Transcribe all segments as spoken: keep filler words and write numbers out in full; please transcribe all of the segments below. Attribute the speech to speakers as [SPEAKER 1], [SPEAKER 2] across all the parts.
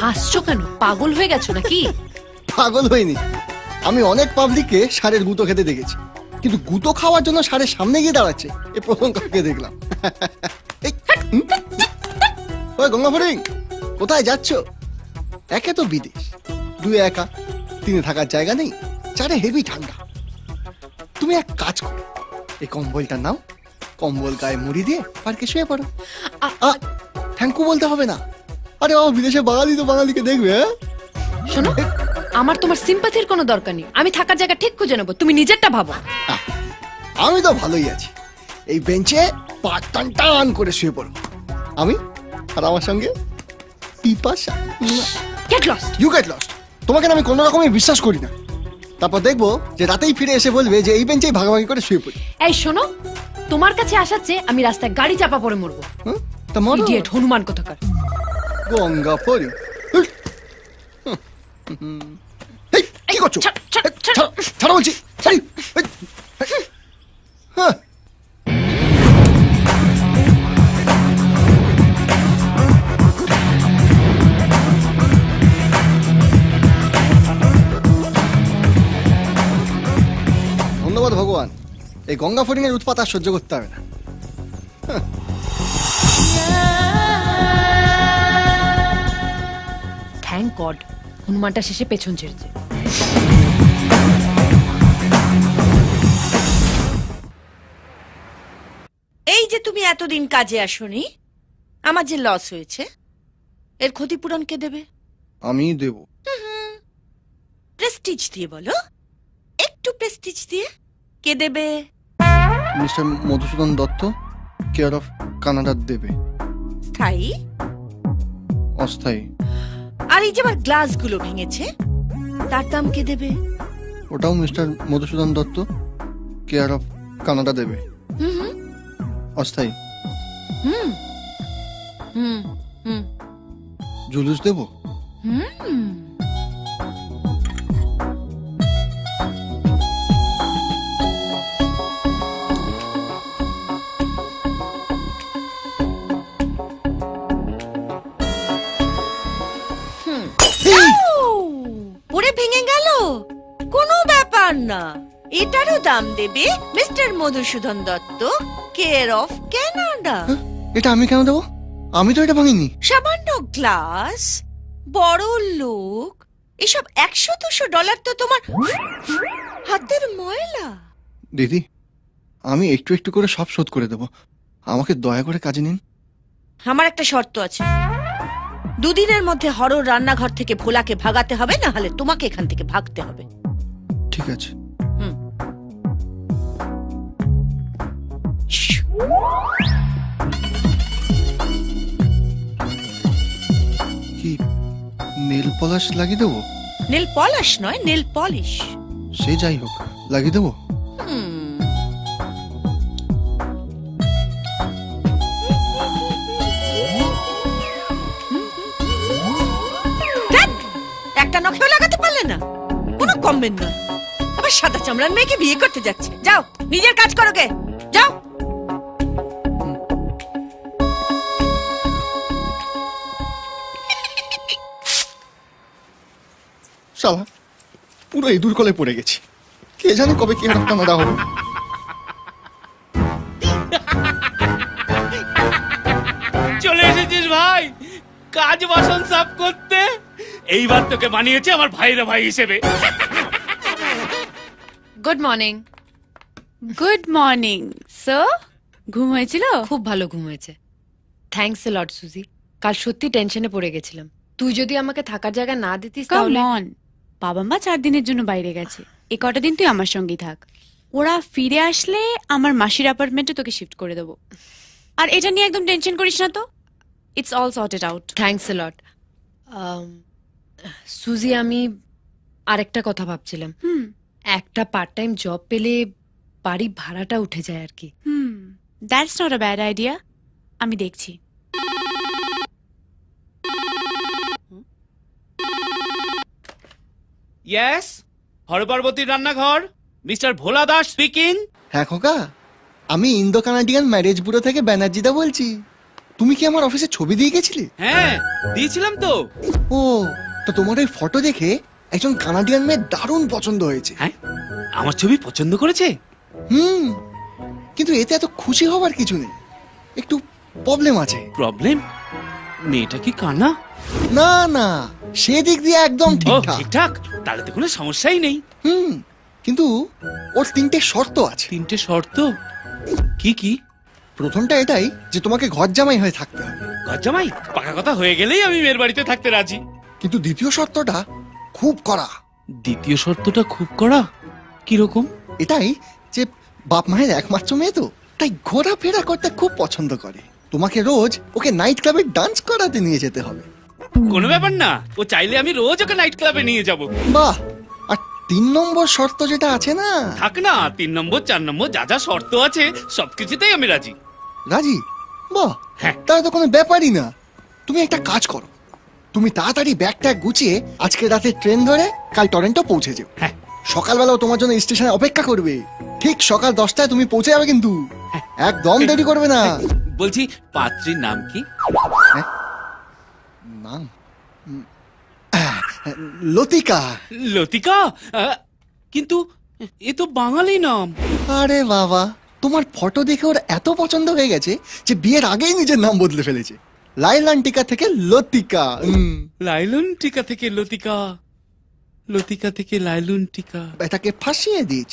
[SPEAKER 1] হাসছো কেন? পাগল হয়ে গেছো নাকি?
[SPEAKER 2] পাগল হয়নি, আমি অনেক পাবলিককে ষাঁড়ের গুঁতো খেতে দেখেছি, কিন্তু গুঁতো খাওয়ার জন্য ষাঁড়ের সামনে গিয়ে দাঁড়াচ্ছে এ প্রথম কাউকে দেখলাম। এই, হুম? ওই গঙ্গা ফড়িং, কোথায় যাচ্ছ? একে তো বিদেশ, দুই একা, তিনে থাকার জায়গা নেই, চারে হেভি ঠান্ডা। তুমি এক কাজ করো, এই কম্বলটা নাও, কম্বল গায়ে মুড়ি দিয়ে পার্কে শুয়ে পড়ো। থ্যাংকু বলতে হবে না। আরে বাবা, বিদেশে বাঙালি তো বাঙালিকে দেখবে। হ্যাঁ
[SPEAKER 1] শোনো, আমার তোমার সিম্পাথির কোনো দরকার নেই। আমি থাকার জায়গা ঠিক খুঁজে নেবো, তুমি নিজেরটা ভাবো।
[SPEAKER 2] আহ, আমি তো ভালোই আছি, এই বেঞ্চে পা টান টান করে শুয়ে পড়ো আমি, আর আমার সঙ্গে পিপাসা।
[SPEAKER 1] Get lost.
[SPEAKER 2] You get lost. তোমাকে না আমি কোনো রকমই বিশ্বাস করি না। তারপর দেখবো যে রাতেই ফিরে এসে বলবে যে এই বেঞ্চেই ভাগাভাগি করে শুয়ে পড়ি।
[SPEAKER 1] এই শোনো, তোমার কাছে আসার চেয়ে আমি রাস্তায় গাড়ি চাপা পড়ে মরবো।
[SPEAKER 2] হুম? তা মরো।
[SPEAKER 1] ইডিয়েট হনুমান কোথাকার।
[SPEAKER 2] গঙ্গা ফড়ি, এই, কি করছো?
[SPEAKER 1] ছাড়, ছাড়,
[SPEAKER 2] এই,
[SPEAKER 1] ছাড়।
[SPEAKER 2] ছাড়ো, ছাড়ো বলছি। এই, এই, এই, হ্যাঁ। ধন্যবাদ ভগবান, এই গঙ্গা ফড়িং এর উৎপাত আর সহ্য করতে হবে না।
[SPEAKER 1] থ্যাংক গড হনুমানটা শেষে পেছন ছেড়েছে।
[SPEAKER 3] এই যে তুমি এতদিন কাজে আসোনি, আমার যে লস হয়েছে এর ক্ষতিপূরণ কে দেবে?
[SPEAKER 2] আমি দেব।
[SPEAKER 3] প্রেস্টিজ দিয়ে বলো, একটু প্রেস্টিজ দিয়ে। কে দেবে?
[SPEAKER 2] Mister Madhusudan Dutta, care of Canada দেবে।
[SPEAKER 3] স্থায়ী?
[SPEAKER 2] অস্থায়ী।
[SPEAKER 3] আর এই যে আমার গ্লাসগুলো ভেঙেছে তার দাম কে দেবে?
[SPEAKER 2] ওটাও mister Madhusudan Dutta, care of Canada দেবে।
[SPEAKER 3] হুম হুম
[SPEAKER 2] অস্থায়ী।
[SPEAKER 3] হুম হুম হুম
[SPEAKER 2] জুলুস দেব।
[SPEAKER 3] হুম পুরে ভেঙে গেল, কোনো ব্যাপার না। এটারও দাম দেবে mister Madhusudan Dutta, care of Canada.
[SPEAKER 2] হ্যাঁ? এটা আমি কেন দেবো? আমি তো এটা ভাঙিনি।
[SPEAKER 3] সামান্য গ্লাস, বড় লোক, এসব একশো দুশো ডলার তো তোমার হাতের ময়লা।
[SPEAKER 2] দিদি, আমি একটু একটু করে সব শোধ করে দেবো, আমাকে দয়া করে কাজে নিন।
[SPEAKER 3] আমার একটা শর্ত আছে, দুদিনের মধ্যে হরর রান্নাঘর থেকে ভোলাকে ভাগাতে হবে, না হলে তোমাকে এখান থেকে ভাগতে হবে।
[SPEAKER 2] ঠিক আছে।
[SPEAKER 3] হুম।
[SPEAKER 2] কি নেল পলাশ লাগিয়ে দেবো?
[SPEAKER 3] নেল পলিশ নয়, নেল পলিশ।
[SPEAKER 2] সে যাই হোক, লাগিয়ে দেবো।
[SPEAKER 3] একটা নখেও লাগাতে পারলে না, কোনো কমবেন না। আবার সাদা চামড়ার মেয়েকে বিয়ে করতে যাচ্ছে। যাও নিজের কাজ করো গে, যাও।
[SPEAKER 2] শালা, পুরো ইঁদুর কলে পড়ে গেছি। কে জানে কবে কি একটা নাড়া হবে।
[SPEAKER 4] চলে এসেছিস ভাই কাজ বাসন সাফ করতে। এইবার তোকে বানিয়েছে আমার ভাইরা ভাই হিসেবে।
[SPEAKER 1] Good morning.
[SPEAKER 5] Good morning sir. ঘুম হয়েছিল?
[SPEAKER 1] খুব ভালো ঘুম হয়েছে। থ্যাঙ্কস এ লট সুজি। কাল সত্যি টেনশনে পড়ে গেছিলাম। তুই যদি আমাকে থাকার জায়গা না দিতিস তাহলে।
[SPEAKER 5] কাম অন, বাবা মা চার দিনের জন্য বাইরে গেছে, এ কটা দিন তুই আমার সঙ্গেই থাক। ওরা ফিরে আসলে আমার মাসির অ্যাপার্টমেন্টে তোকে শিফট করে দেবো। আর এটা নিয়ে একদম টেনশন করিস না তো, it's all sorted out.
[SPEAKER 1] Thanks a lot. সুজি, আমি আরেকটা কথা ভাবছিলাম।
[SPEAKER 5] হুম
[SPEAKER 1] একটা পার্ট টাইম জব পেলে বাড়ি ভাড়াটা উঠে যায় আর কি।
[SPEAKER 5] Hmm that's not a bad idea. আমি দেখছি।
[SPEAKER 4] ইয়েস, হরপার্বতীর রান্নাঘর, মিস্টার ভোলা দাস স্পিকিং।
[SPEAKER 2] হ্যাঁ খোকা, আমি ইন্দো কানাডিয়ান ম্যারেজ ব্যুরো থেকে ব্যানার্জিদা বলছি। তুমি কি আমার অফিসে ছবি দিয়ে গেছিলে?
[SPEAKER 4] হ্যাঁ দিয়েছিলাম তো।
[SPEAKER 2] ও, তো তোমার ওই ফটো দেখে একজন কানাডিয়ান মেয়ে দারুণ পছন্দ হয়েছে।
[SPEAKER 4] হ্যাঁ আমার ছবি পছন্দ করেছে।
[SPEAKER 2] হুম, কিন্তু এতে এত খুশি হবার কিছু নেই, একটু প্রবলেম আছে।
[SPEAKER 4] প্রবলেম? মেয়েটা কি কানা?
[SPEAKER 2] না না, সেদিক দিয়ে একদম
[SPEAKER 4] ও
[SPEAKER 2] ঠিকঠাক।
[SPEAKER 4] ঠিকঠাক, তাহলে তো কোনো সমস্যাই নেই।
[SPEAKER 2] হুম, কিন্তু ওর তিনটে শর্ত আছে।
[SPEAKER 4] তিনটে শর্ত? কি কি?
[SPEAKER 2] প্রথমটা এটাই যে তোমাকে ঘর জামাই হয়ে থাকতে হবে,
[SPEAKER 4] ঘর জামাই? পাকা কথা হয়ে গেলেই আমি মেয়ের বাড়িতে থাকতে রাজি।
[SPEAKER 2] কিন্তু দ্বিতীয় শর্তটা খুব কড়া।
[SPEAKER 4] দ্বিতীয় শর্তটা খুব কড়া? কিরকম?
[SPEAKER 2] এটাই যে বাপ মায়ের একমাত্র মেয়ে তো, তাই ঘোরাফেরা করতে খুব পছন্দ করে। তোমাকে রোজ ওকে নাইট ক্লাবে ডান্স করাতে নিয়ে যেতে হবে।
[SPEAKER 4] কোনো ব্যাপার না, ও চাইলে আমি রোজ ওকে নাইট ক্লাবে নিয়ে যাব।
[SPEAKER 2] বাহ, আর তিন নম্বর শর্ত যেটা আছে না,
[SPEAKER 4] থাক না, তিন নম্বর চার নম্বর যা যা শর্ত আছে সবকিছুতেই আমি রাজি।
[SPEAKER 2] রাজি? বাহ,
[SPEAKER 4] হ্যাঁ।
[SPEAKER 2] তাহলে তো কোনো ব্যাপারই না। তুমি একটা কাজ করো, তুমি তাড়াতাড়ি ব্যাগ ট্যাগ গুছিয়ে আজকে রাতে ট্রেন ধরে কাল টরেন্টো পৌঁছে যাও।
[SPEAKER 4] হ্যাঁ।
[SPEAKER 2] সকালবেলাও তোমার জন্য স্টেশনে অপেক্ষা করবে। ঠিক সকাল দশটায় তুমি পৌঁছে যাবে, কিন্তু একদম দেরি করবে না।
[SPEAKER 4] বলছি পাত্রীর নাম কি?
[SPEAKER 2] নাম উম, আহ, লতিকা।
[SPEAKER 4] লতিকা? আহ, কিন্তু এ তো বাঙালি নাম।
[SPEAKER 2] আরে বাবা, তোমার ফটো দেখে ওর এত পছন্দ হয়ে গেছে যে বিয়ের আগেই নিজের নাম বদলে ফেলেছে। লাইলান টিকা থেকে লতিকা। উম,
[SPEAKER 4] লাইলুন টিকা থেকে লতিকা, লতিকা থেকে লাইলুন টিকা।
[SPEAKER 2] এটাকে ফাঁসিয়ে দিয়েছি।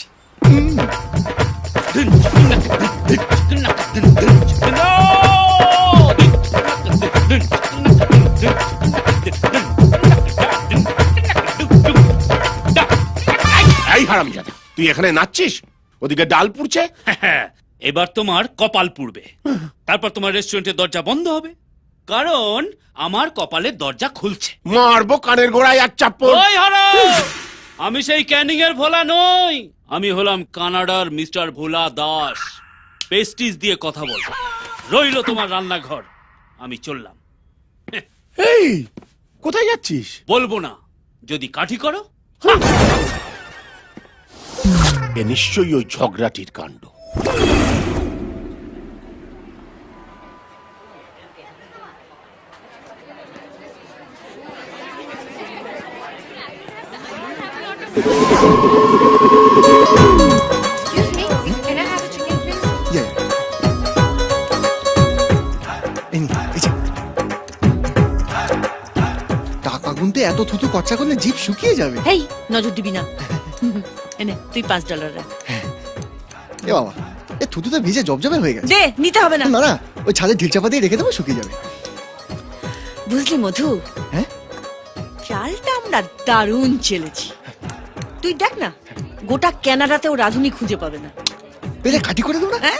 [SPEAKER 6] এই হারামজাদা, তুই এখানে নাচছিস, ওদিকে ডাল পুড়ছে।
[SPEAKER 4] এবার তোমার কপাল পুড়বে, তারপর তোমার রেস্টুরেন্টের দরজা বন্ধ হবে, কারণ আমার কপালের দরজা খুলছে।
[SPEAKER 6] মারবো কানের গোড়ায় আর চাপ্পল।
[SPEAKER 4] ওই হারাম! আমি সেই ক্যানিং এর ভোলা নই, আমি হলাম কানাডার মিস্টার ভোলা দাস। পেস্টিস দিয়ে কথা বল, রইলো তোমার রান্নাঘর। আমি চললাম।
[SPEAKER 6] এই কোথায় যাচ্ছিস?
[SPEAKER 4] বলবো না, যদি কাঠি করো।
[SPEAKER 6] এ নিশ্চয়ই ওই ঝগড়াটির কাণ্ড।
[SPEAKER 1] Excuse me, can I have a chicken, please?
[SPEAKER 2] Yeah. এই নে, এই যে। টাকা গুনতে এত থুতু খরচা করলে জিভ শুকিয়ে যাবে।
[SPEAKER 3] হেই, নজর দিবি না। এনে তুই পাঁচ ডলার রাখ।
[SPEAKER 2] এ বাবা, এ থুতুতে ভিজে জবজবে হয়ে গেছে।
[SPEAKER 3] দে, নিতে হবে না।
[SPEAKER 2] না না, ওই ছাদে ঢিল চাপা দিয়ে রেখে দেবো, শুকিয়ে যাবে।
[SPEAKER 3] বুঝলি মধু,
[SPEAKER 2] হ্যাঁ,
[SPEAKER 3] চালটা আমরা দারুণ চেলেছি। তুই দেখ না, গোটা ক্যানাডাতেও রাধুনি খুঁজে পাবে না।
[SPEAKER 2] পেলে কাটি করে দেবো না।
[SPEAKER 3] হ্যাঁ?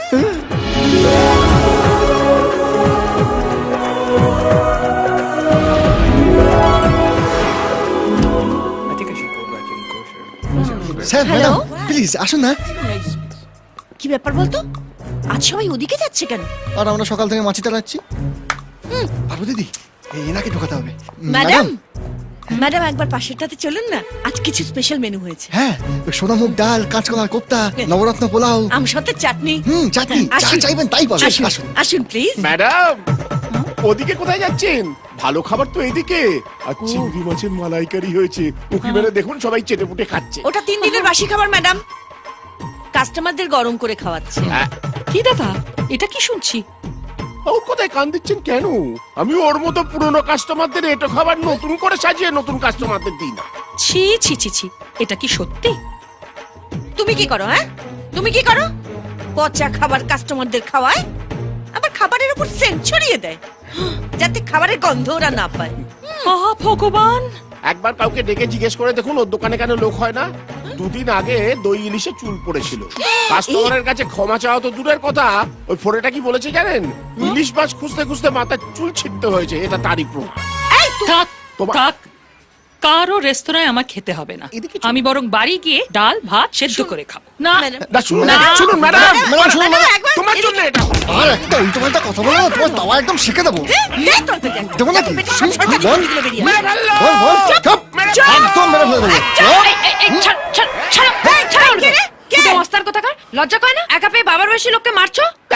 [SPEAKER 2] Sir,
[SPEAKER 3] Hello?
[SPEAKER 2] ম্যাডাম প্লিজ আসুন না।
[SPEAKER 3] কি ব্যাপার বলতো, আজ সবাই ওদিকে যাচ্ছে কেন?
[SPEAKER 2] আর আমরা সকাল থেকে মাছি চালাচ্ছি। পারবো দিদি, এই এনাকে ঢোকাতে হবে।
[SPEAKER 3] ম্যাডাম, ম্যাডাম একবার পাশেরটাতে চলুন না, আজ কিছু স্পেশাল মেনু হয়েছে।
[SPEAKER 2] হ্যাঁ, ওই সোনামুখ ডাল, কাঁচকলার কোপ্তা, নবরত্ন পোলাও,
[SPEAKER 3] আমসত্ত্বের চাটনি।
[SPEAKER 2] হুম চাটনি, যা
[SPEAKER 3] আসুন।
[SPEAKER 2] চাইবেন তাই পাবেন।
[SPEAKER 3] আসুন,
[SPEAKER 2] আসুন।
[SPEAKER 3] আসুন প্লিজ।
[SPEAKER 6] ম্যাডাম, ওদিকে কোথায় যাচ্ছেন? ভালো খাবার তো এদিকে। আর চিংড়ি মাছের মালাইকারি হয়েছে, উকি মেরে দেখুন সবাই চেটে পুটে খাচ্ছে।
[SPEAKER 3] ওটা তিন দিনের বাসি খাবার ম্যাডাম, কাস্টমারদের গরম করে খাওয়াচ্ছে।
[SPEAKER 6] হ্যাঁ।
[SPEAKER 3] কি দাদা, এটা কি শুনছি?
[SPEAKER 6] ও কোথায় কান দিচ্ছেন কেন? আমি ওর মতো পুরনো কাস্টমারদের এটো খাবার নতুন করে সাজিয়ে নতুন কাস্টমারদের দিই না।
[SPEAKER 3] ছি ছি ছি ছি, এটা কি সত্যি? তুমি কি করো? হ্যাঁ, তুমি কি করো? পচা খাবার কাস্টমারদের খাওয়ায়, আবার খাবারের উপর সেন্ট ছড়িয়ে দেয়, যাতে খাবারের গন্ধ ওরা না পায়। মহা ভগবান!
[SPEAKER 6] একবার কাউকে ডেকে জিজ্ঞেস করে দেখুন ওর দোকানে কেন লোক হয় না। দুদিন আগে দই ইলিশে চুল পড়েছিল, কাস্টমারের কাছে ক্ষমা চাওয়া তো দূরের কথা, ওই ফোরেটা কি বলেছে জানেন? ইলিশ মাছ খুঁজতে খুঁজতে মাথায় চুল ছিটতে হয়েছে, এটা তারই প্রমাণ।
[SPEAKER 3] এই তো-
[SPEAKER 7] থাক
[SPEAKER 6] তোমার-
[SPEAKER 7] থাক, কারো রেস্তোরাঁয় আমার খেতে হবে না।
[SPEAKER 6] এদিকে চলো।
[SPEAKER 7] আমি বরং বাড়ি গিয়ে ডাল ভাত সেদ্ধ করে খাবো। না,
[SPEAKER 3] ম্যাডাম,
[SPEAKER 6] না শুনুন,
[SPEAKER 3] না,
[SPEAKER 6] শুনুন ম্যাডাম,
[SPEAKER 2] ম্যাডাম, শুনুন,
[SPEAKER 3] ম্যাডাম,
[SPEAKER 2] ম্যাডাম,
[SPEAKER 3] একবার
[SPEAKER 6] তোমার
[SPEAKER 3] এদিকে-
[SPEAKER 6] জন্য এটা।
[SPEAKER 2] আর একটা উল্টো পাল্টা কথা বলো না, তোমার তাওয়া একদম শিখে দেবো।
[SPEAKER 3] দে, দে তোর পেটে।
[SPEAKER 2] দেবো নাকি?
[SPEAKER 3] পেটে সব সরকারি
[SPEAKER 2] বল।
[SPEAKER 3] জিনিসগুলো বেরিয়ে আসে।
[SPEAKER 6] মেরে ফেললো!
[SPEAKER 2] বল, বল, চুপ,
[SPEAKER 6] ম্যাডাম!
[SPEAKER 2] একদম মেরে ফেলে দেবো। চুপ।
[SPEAKER 7] এই, এই, এই, ছাড়, ছাড়, ছাড়ো,
[SPEAKER 3] এই, কে রে? কে?
[SPEAKER 1] শুধু মস্তার কোথাকার, লজ্জা করে না? একা পেয়ে বাবার বয়সী লোককে মারছো।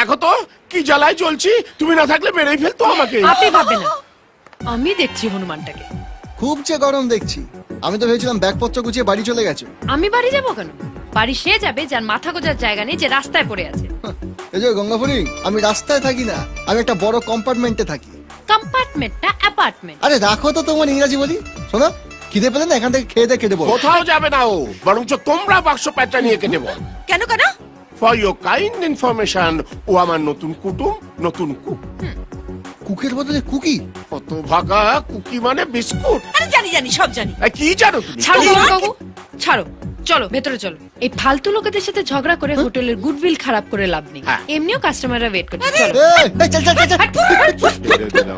[SPEAKER 6] দেখো তো কি জ্বালায় চলছি, তুমি না থাকলে মেরেই ফেলতো আমাকে।
[SPEAKER 1] আপনি ভাববেন না, আমি দেখছি হনুমানটাকে।
[SPEAKER 2] খুব যে গরম দেখছি। আমি তো ভেবেছিলাম ব্যাগপত্র গুছিয়ে বাড়ি চলে গেছো।
[SPEAKER 1] আমি বাড়ি যাবো কেন? বাড়ি সে যাবে যার মাথা গোজার জায়গা নেই, যে রাস্তায় পড়ে আছে।
[SPEAKER 2] এই যে গঙ্গাপুরি, আমি রাস্তায় থাকি না, আমি একটা বড় কম্পার্টমেন্টে থাকি।
[SPEAKER 1] কম্পার্টমেন্ট না অ্যাপার্টমেন্ট।
[SPEAKER 2] আরে রাখো তো তোমার ইংরাজি বলি। শোনো, খিদে পেলে না এখান থেকে খেয়ে দিয়ে কেটে বলো।
[SPEAKER 6] কোথাও যাবে না ও, বরঞ্চ তোমরা বাক্স প্যাঁচটা নিয়ে কেটে বল।
[SPEAKER 3] কেন কেন?
[SPEAKER 6] ফর ইউর কাইন্ড ইনফরমেশন, ও আমার নতুন কুটুম, নতুন কুক।
[SPEAKER 2] কুকের বদলে কুকি?
[SPEAKER 6] কত ভাগা, কুকি মানে বিস্কুট।
[SPEAKER 3] আরে জানি জানি সব জানি।
[SPEAKER 6] এই কি জানো তুমি?
[SPEAKER 1] ছাড়ো কাকু, ছাড়ো, চলো ভেতরে চলো। এই ফালতু লোকেদের সাথে ঝগড়া করে হোটেলের গুডউইল খারাপ করে লাভ নেই।
[SPEAKER 6] হ্যাঁ।
[SPEAKER 1] এমনিও কাস্টমাররা ওয়েট করছে, চলো।
[SPEAKER 2] এই, এই, চল চল চল চল।
[SPEAKER 6] ছেড়ে দিলাম।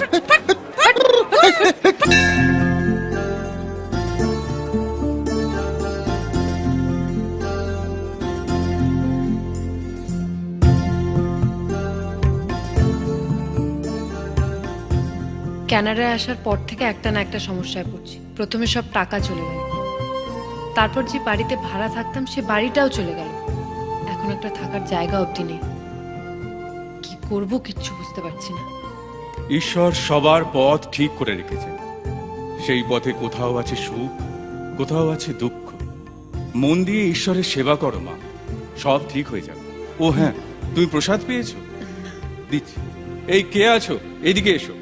[SPEAKER 1] কানাডায় আসার পর থেকে একটা না একটা সমস্যায় পড়ছি। প্রথমে সব টাকা চলে গেল, তারপর যে বাড়িতে ভাড়া থাকতাম সে বাড়িটাও চলে গেল। এখন একটা থাকার জায়গা অবধি নেই। কি করব কিচ্ছু বুঝতে পারছি না।
[SPEAKER 8] ঈশ্বর সবার পথ ঠিক করে রেখেছেন। সেই পথে কোথাও আছে সুখ, কোথাও আছে দুঃখ। মন দিয়ে ঈশ্বরের সেবা করো মা, সব ঠিক হয়ে যাবে। ও হ্যাঁ, তুমি প্রসাদ পেয়েছো? দিচ্ছি। এই কে আছো, এইদিকে এসো।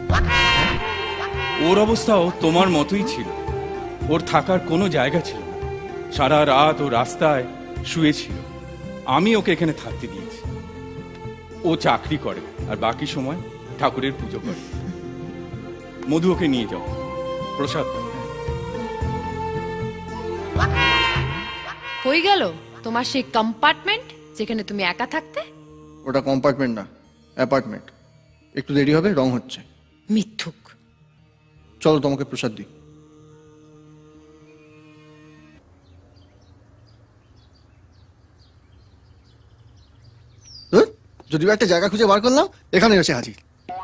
[SPEAKER 8] ওর অবস্থাও তোমার মতোই ছিল। ওর থাকার কোনো জায়গা ছিল না, সারা রাত ও রাস্তায় শুয়েছিল। আমি ওকে এখানে থাকতে দিয়েছি। ও চাকরি করে আর বাকি সময় ঠাকুরের পুজো করে। মধু, ওকে নিয়ে যাও। প্রসাদ।
[SPEAKER 1] কই গেল তোমার সেই কম্পার্টমেন্ট যেখানে তুমি একা থাকতে?
[SPEAKER 2] ওটা কম্পার্টমেন্ট না, অ্যাপার্টমেন্ট। একটু দেরি হবে, রং হচ্ছে।
[SPEAKER 1] মিথ্যুক।
[SPEAKER 2] চলো তোমাকে প্রসাদ দিই। ধুর, যদিও একটা জায়গা খুঁজে বার করলাম, এখানে এসে হাজির।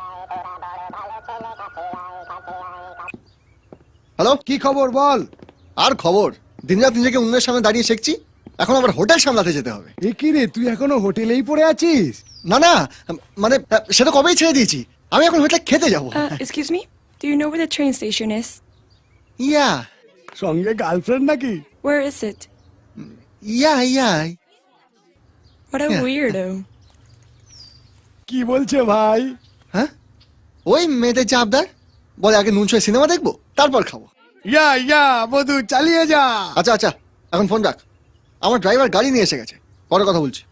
[SPEAKER 2] হ্যালো,
[SPEAKER 9] কি খবর বল?
[SPEAKER 2] আর খবর, দিন রাত নিজেকে অন্যের সামনে দাঁড়িয়ে শিখছি, এখন আবার হোটেল সামলাতে যেতে হবে।
[SPEAKER 9] এ কি রে, তুই এখনো হোটেলেই পড়ে আছিস?
[SPEAKER 2] না না, মানে সেটা কবেই ছেড়ে দিয়েছি। আমি এখন হোটেলে খেতে যাবো।
[SPEAKER 10] Uh, excuse me? Do you know where the train station is?
[SPEAKER 2] ইয়া
[SPEAKER 9] সঙ্গে গার্লফ্রেন্ড নাকি?
[SPEAKER 10] Where is it?
[SPEAKER 2] Yeah yeah
[SPEAKER 10] What a
[SPEAKER 2] Yeah.
[SPEAKER 10] weirdo.
[SPEAKER 9] কি বলছে ভাই?
[SPEAKER 2] হ্যাঁ, ওই মেয়েদের চাপদার বলে আগে নুন ছয় সিনেমা দেখবো, তারপর খাবো।
[SPEAKER 9] ইয়া ইয়া মধু, চালিয়ে যা।
[SPEAKER 2] আচ্ছা আচ্ছা, এখন ফোন রাখ, আমার ড্রাইভার গাড়ি নিয়ে এসে গেছে, পরে কথা বলছি।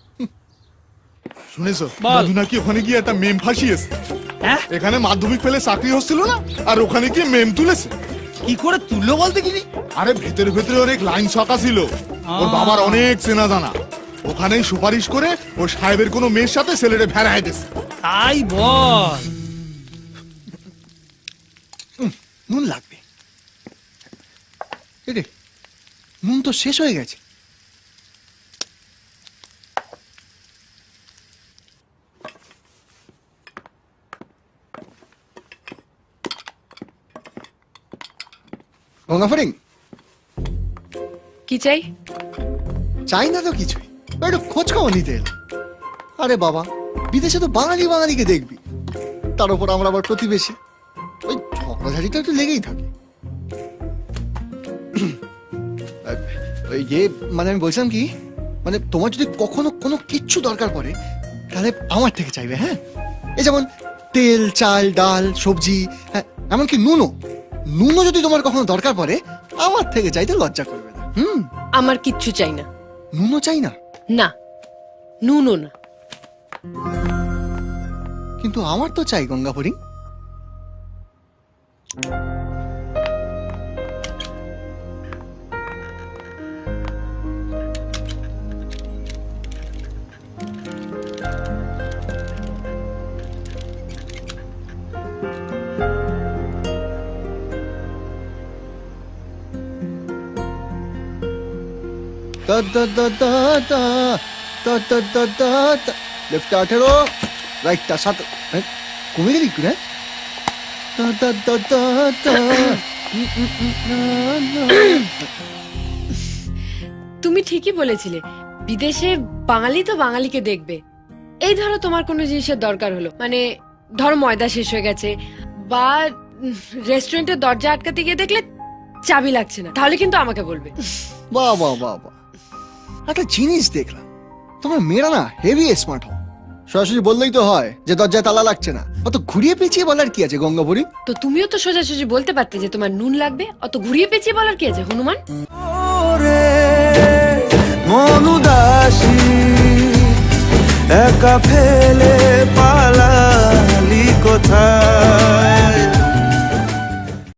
[SPEAKER 11] শুনেছো মধু নাকি ওখানে গিয়ে একটা মেম ফাঁসিয়েছে। এখানে মাধ্যমিক পেলে চাকরি হচ্ছিল না, আর ওখানে গিয়ে মেম তুলেছে।
[SPEAKER 9] কি করে তুললো বলতে কি?
[SPEAKER 11] আরে ভেতরে ভেতরে অনেক লাইন ছকা ছিল, ওর বাবার অনেক চেনা জানা। ওখানেই সুপারিশ করে ও সাহেবের কোনো মেয়ের সাথে ছেলেটা ভেড়ায় দিয়েছে।
[SPEAKER 9] তাই বল।
[SPEAKER 2] নুন লাগবে। এরে, নুন তো শেষ হয়ে গেছে। গঙ্গা ফরিং,
[SPEAKER 1] কি চাই?
[SPEAKER 2] চাই না তো কিছুই, একটু খোঁজ খবর নিতে এলাম। আরে বাবা, বিদেশে তো বাঙালি বাঙালিকে দেখবি, তার উপর আমরা আবার প্রতিবেশী, ওই ঝগড়াঝাড়িটা একটু লেগেই থাকে। ওই যে মানে আমি বলছিলাম কি, মানে তোমার যদি কখনো কোনো কিচ্ছু দরকার পড়ে তাহলে আমার থেকে চাইবে। হ্যাঁ, এই যেমন তেল, চাল, ডাল, সবজি, হ্যাঁ এমনকি নুনও। নুনও যদি তোমার কখনো দরকার পড়ে আমার থেকে চাইতে লজ্জা করবে না। হুম,
[SPEAKER 1] আমার কিচ্ছু চাই না।
[SPEAKER 2] নুনও চাই না?
[SPEAKER 1] না, নুনও না।
[SPEAKER 2] কিন্তু আমার তো চাই Ganga হরিং। Da da da da da da da da da da. Left আঠেরো, রাইটটা সাত। কমে গেলি একটু, হ্যাঁ? Da da da da da.
[SPEAKER 1] তুমি ঠিকই বলেছিলে, বিদেশে বাঙালি তো বাঙালিকে দেখবে। এই ধরো তোমার কোনো জিনিসের দরকার হলো, মানে ধরো ময়দা শেষ হয়ে গেছে, বা রেস্টুরেন্টের দরজা আটকাতে গিয়ে দেখলে চাবি লাগছে না, তাহলে কিন্তু আমাকে বলবে।
[SPEAKER 2] বাহ বাহ বাহ বাহ, একটা জিনিস দেখলাম, তোমার মেয়েরা না হেভি স্মার্ট হও। সরাসরি বললেই তো হয় যে দরজায় তালা লাগছে না, অত ঘুরিয়ে পেঁচিয়ে বলার কি আছে গঙ্গাপুরী?
[SPEAKER 1] তো তুমিও তো সোজাসুজি বলতে পারতে যে তোমার নুন লাগবে, অত ঘুরিয়ে পেঁচিয়ে বলার কি আছে হনুমান?
[SPEAKER 12] মনুদাসী একা ফেলে পালালি কোথায়?